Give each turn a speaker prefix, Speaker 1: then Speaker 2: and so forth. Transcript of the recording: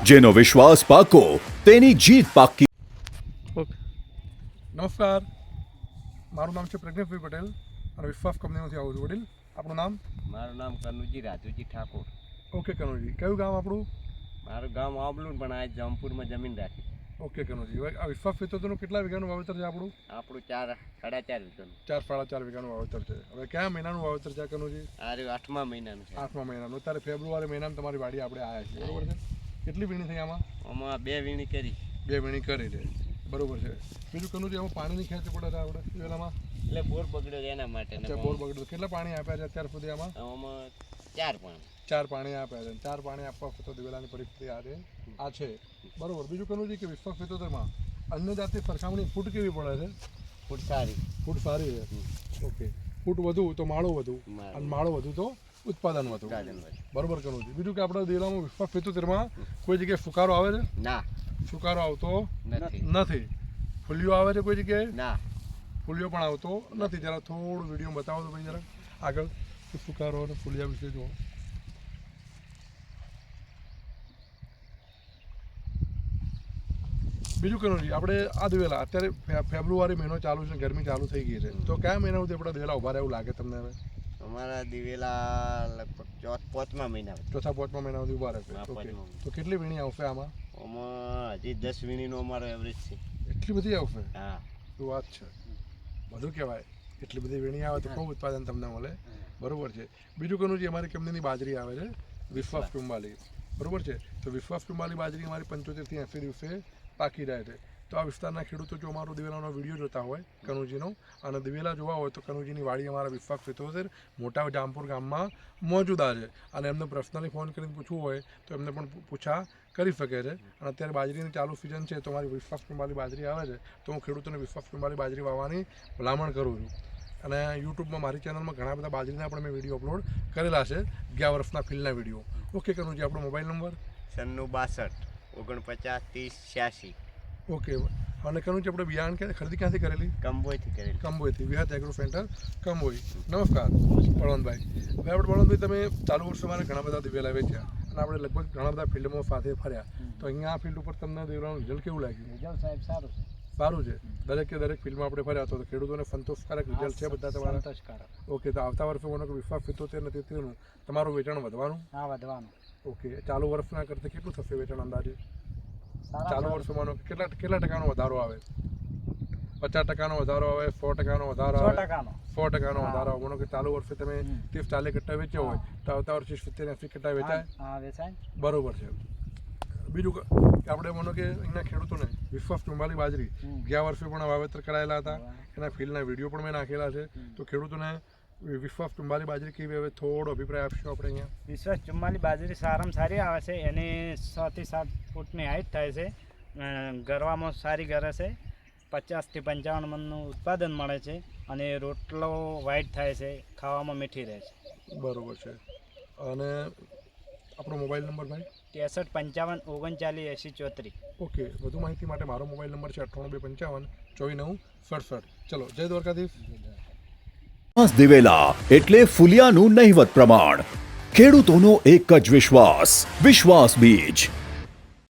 Speaker 1: જેનો વિશ્વાસ પાકો તેની જીત પાકી.
Speaker 2: નમસ્કાર, મારું નામ છે પ્રજ્ઞેશભાઈ પટેલ અને વિશ્વાસ કંપનીમાંથી આવું છું. વડીલ, આપણું નામ?
Speaker 3: મારું નામ કનુજી રાજુજી ઠાકોર.
Speaker 2: ઓકે કનુજી, કયું ગામ આપણું?
Speaker 3: મારું ગામ આબલું પણ આ જમપુરમાં જમીન રાખી.
Speaker 2: ઓકે કનુજી, હવે આ વિશ્વાસ ખેતરનું કેટલા વીઘાનું વાવેતર છે આપણું?
Speaker 3: આપણું 4.5 વીઘાનું.
Speaker 2: 4.5 વીઘાનું વાવેતર છે. હવે કયા મહિનાનું વાવેતર છે કનુજી?
Speaker 3: આ 8મા મહિનાનું છે.
Speaker 2: 8મા મહિનાનું. અત્યારે ફેબ્રુઆરી મહિનામાં તમારી વાડી આપણે આવ્યા છીએ, બરોબર છે? કેટલી વીણી થઈ આમાં?
Speaker 3: આમાં 2 વીણી કરી.
Speaker 2: 2 વીણી કરી છે, બરોબર છે. બીજું કનુજી, આમાં પાણીની ખેંચ પડે છે આપણે દિવેલામાં?
Speaker 3: એટલે બોર બગડ્યો છે એના માટે.
Speaker 2: અચ્છા, બોર બગડ્યો. કેટલા પાણી આપ્યા છે અત્યાર સુધી આમાં?
Speaker 3: આમાં 4 પાણી.
Speaker 2: 4 પાણી આપ્યા છે. 4 પાણી આપવા તો દિવેલાની પરિસ્થિતિ આ છે, બરોબર. બીજું કનુજી કે વિશ્વાસ ખેતરમાં અન્ય જાતની સરખામણી ફૂટ કેવી પડે છે?
Speaker 3: ફૂટ સારી.
Speaker 2: ફૂટ સારી છે. ઓકે, ફૂટ વધુ તો માળો વધુ, અને માળો વધુ તો ઉત્પાદન વધુ, બરોબર કનુજી. બીજું કે આપણે દિવેલામાં વિશ્વાસ ખેતરમાં કોઈ જગ્યાએ ફુકારો આવે છે?
Speaker 3: ના,
Speaker 2: ફુકારો આવતો નથી. ફૂલિયો આવે છે કોઈ જગ્યાએ?
Speaker 3: ના,
Speaker 2: ફૂલિયો પણ આવતો નથી. જરા થોડું વિડીયો બતાવો તો ભાઈ, જરા આગળ ફુકારો અને ફૂલિયા વિશે જુઓ. બીજું કનુજી, આપણે આ દિવેલા અત્યારે ફેબ્રુઆરી મહિનો ચાલુ છે, ગરમી ચાલુ થઈ ગઈ છે, તો કયા મહિના સુધી આપણા દિવેલા ઉભા રહે એવું લાગે તમને? હવે
Speaker 3: અમારા દિવેલા લગભગ 4મા મહિના.
Speaker 2: ચોથા 5મા મહિના સુધી ઉભા રહેશે. ઓકે, તો કેટલી વીણી આવશે આમાં?
Speaker 3: આમાં હજી 10 વીણીનો અમારો એવરેજ છે.
Speaker 2: એટલી બધી આવશે?
Speaker 3: હા,
Speaker 2: શું વાત છે, બધું કહેવાય. એટલી બધી વીણી આવે તો ખૂબ ઉત્પાદન તમને મળે, બરોબર છે. બીજું કનુજી, અમારી કંપનીની બાજરી આવે છે વિશ્વાસ પિંબાલી, બરોબર છે. તો વિશ્વાસ પિંબાલી બાજરી અમારી 75 થી 80 દિવસે પાકી રહે છે. તો આ વિસ્તારના ખેડૂતો જો અમારો દિવેલાનો વિડીયો જોતા હોય કનુજીનો અને દિવેલા જોવા હોય તો કનુજીની વાડી અમારા વિશ્વાસ ખેતર મોટા જામપુર ગામમાં મોજુદા છે, અને એમને પર્સનલી ફોન કરીને પૂછવું હોય તો એમને પણ પૂછા કરી શકે છે. અને અત્યારે બાજરીની ચાલુ સિઝન છે, તો અમારી વિશ્વાસ પિંબાલી બાજરી આવે છે, તો હું ખેડૂતોને વિશ્વાસ પિંબાલી બાજરી વાવવાની ભલામણ કરું છું. અને યુટ્યુબમાં મારી ચેનલમાં ઘણા બધા બાજરીના પણ મેં વિડીયો અપલોડ કરેલા છે, 11 વર્ષના ફિલ્ડના વિડીયો. ઓકે કનુજી, આપણો મોબાઈલ નંબર?
Speaker 3: 96 49 30 86.
Speaker 2: ઓકે, અને કનુજી આપણે બિયારણ ખરીદી ક્યાંથી કરેલી?
Speaker 3: કંબોયથી કરેલી.
Speaker 2: કંબોયથી, વિહાત એગ્રો સેન્ટર કંબોઈ. નમસ્કાર બળવંતભાઈ. હવે આપણે બળવંતભાઈ, તમે ચાલુ વર્ષે મારે ઘણા બધા દિવેલા વેચ્યા અને આપણે લગભગ ઘણા બધા ફિલ્ડમાં સાથે ફર્યા, તો અહીંયા આ ફિલ્ડ ઉપર તમને દિવેલાનું રિઝલ્ટ કેવું લાગ્યું?
Speaker 3: રિઝલ્ટ સાહેબ સારું છે.
Speaker 2: સારું છે. દરેકે દરેક ફિલ્ડમાં આપણે ફર્યા તો ખેડૂતોને સંતોષકારક રિઝલ્ટ છે બધા તમારા?
Speaker 3: સંતોષકારક.
Speaker 2: ઓકે, તો આવતા વર્ષે મને વિશ્વાસ 75 ને 73નું તમારું વેચાણ વધવાનું?
Speaker 3: હા, વધવાનું.
Speaker 2: ઓકે, ચાલુ વર્ષના કરતાં કેટલું થશે વેચાણ અંદાજે? ચાલુ વર્ષમાં કેટલા ટકાનો વધારો આવે? 50% વધારો આવે? 100% વધારો આવે? 100% વધારો આવે. માનો કે ચાલુ વર્ષે તમે 30-40 કટ્ટા વેચ્યા હોય તો આવતા વર્ષે 70-80 કટ્ટા વેચાય? બરોબર છે. બીજું કે આપણે માનો કે અહીંના ખેડૂતોને વિશ્વાસ પિંબાલી બાજરી ગયા વર્ષે પણ વાવેતર કરાયેલા હતા, એના ફિલ્ડના વિડીયો પણ મેં નાખેલા છે, તો ખેડૂતોને વિશ્વાસ પિંબાલી બાજરી કેવી, હવે થોડો અભિપ્રાય આપશો આપણે અહીંયા?
Speaker 4: વિશ્વાસ ચુમ્માલી બાજરી સારામાં સારી આવે છે. એની 6 થી 7 ફૂટની હાઈટ થાય છે, ગરવામાં સારી ગરે છે, 50 થી 55 મણનું ઉત્પાદન મળે છે, અને રોટલો વ્હાઈટ થાય છે, ખાવામાં મીઠી રહે છે.
Speaker 2: બરોબર છે. અને આપણો મોબાઈલ નંબર ભાઈ?
Speaker 4: 63 55 39 80 34.
Speaker 2: ઓકે, વધુ માહિતી માટે મારો મોબાઈલ નંબર છે 98 255 24 9 67. ચલો, જય દ્વારકાધીશ.
Speaker 1: દિવેલા એટલે ફુલિયાનું નહિવત પ્રમાણ. ખેડૂતોનો એક જ વિશ્વાસ, વિશ્વાસ બીજ.